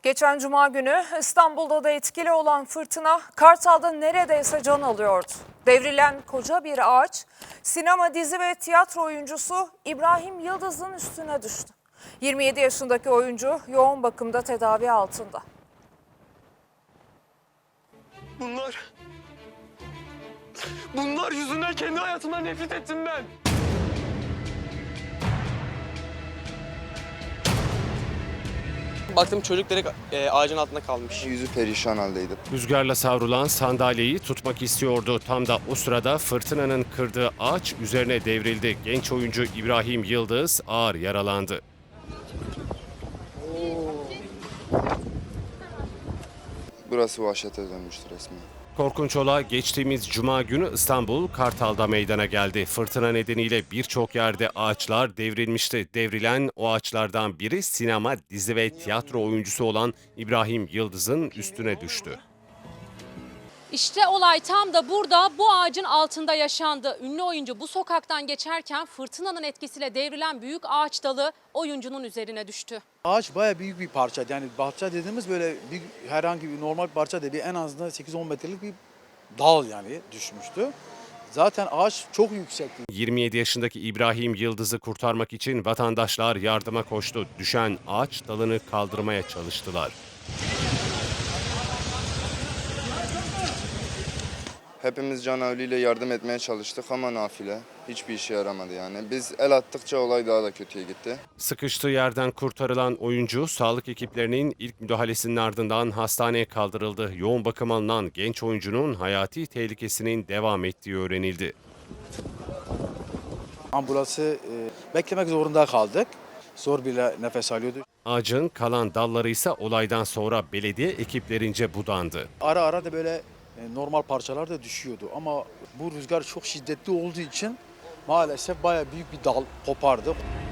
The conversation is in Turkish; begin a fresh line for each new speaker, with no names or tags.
Geçen cuma günü İstanbul'da da etkili olan fırtına Kartal'da neredeyse can alıyordu. Devrilen koca bir ağaç sinema, dizi ve tiyatro oyuncusu İbrahim Yıldız'ın üstüne düştü. 27 yaşındaki oyuncu yoğun bakımda tedavi altında.
Bunlar yüzünden kendi hayatımdan nefret ettim ben. Baktım çocuk direkt ağacın altında kalmış.
Yüzü perişan haldeydi.
Rüzgarla savrulan sandalyeyi tutmak istiyordu. Tam da o sırada fırtınanın kırdığı ağaç üzerine devrildi. Genç oyuncu İbrahim Yıldız ağır yaralandı.
Burası vahşete dönmüştü resmen.
Korkunç olay geçtiğimiz cuma günü İstanbul Kartal'da meydana geldi. Fırtına nedeniyle birçok yerde ağaçlar devrilmişti. Devrilen o ağaçlardan biri sinema, dizi ve tiyatro oyuncusu olan İbrahim Yıldız'ın üstüne düştü.
İşte olay tam da burada, bu ağacın altında yaşandı. Ünlü oyuncu bu sokaktan geçerken fırtınanın etkisiyle devrilen büyük ağaç dalı oyuncunun üzerine düştü.
Ağaç bayağı büyük bir parça. Yani bahçe dediğimiz böyle herhangi bir normal bir parça değil. En azından 8-10 metrelik bir dal yani düşmüştü. Zaten ağaç çok yüksekti.
27 yaşındaki İbrahim Yıldız'ı kurtarmak için vatandaşlar yardıma koştu. Düşen ağaç dalını kaldırmaya çalıştılar.
Hepimiz canavliyle yardım etmeye çalıştık ama nafile. Hiçbir işe yaramadı yani. Biz el attıkça olay daha da kötüye gitti.
Sıkıştığı yerden kurtarılan oyuncu, sağlık ekiplerinin ilk müdahalesinin ardından hastaneye kaldırıldı. Yoğun bakım alınan genç oyuncunun hayati tehlikesinin devam ettiği öğrenildi.
Ambulansı beklemek zorunda kaldık. Zor bile nefes alıyordu.
Ağacın kalan dalları ise olaydan sonra belediye ekiplerince budandı.
Ara ara da böyle normal parçalar da düşüyordu. Ama bu rüzgar çok şiddetli olduğu için maalesef bayağı büyük bir dal kopardı.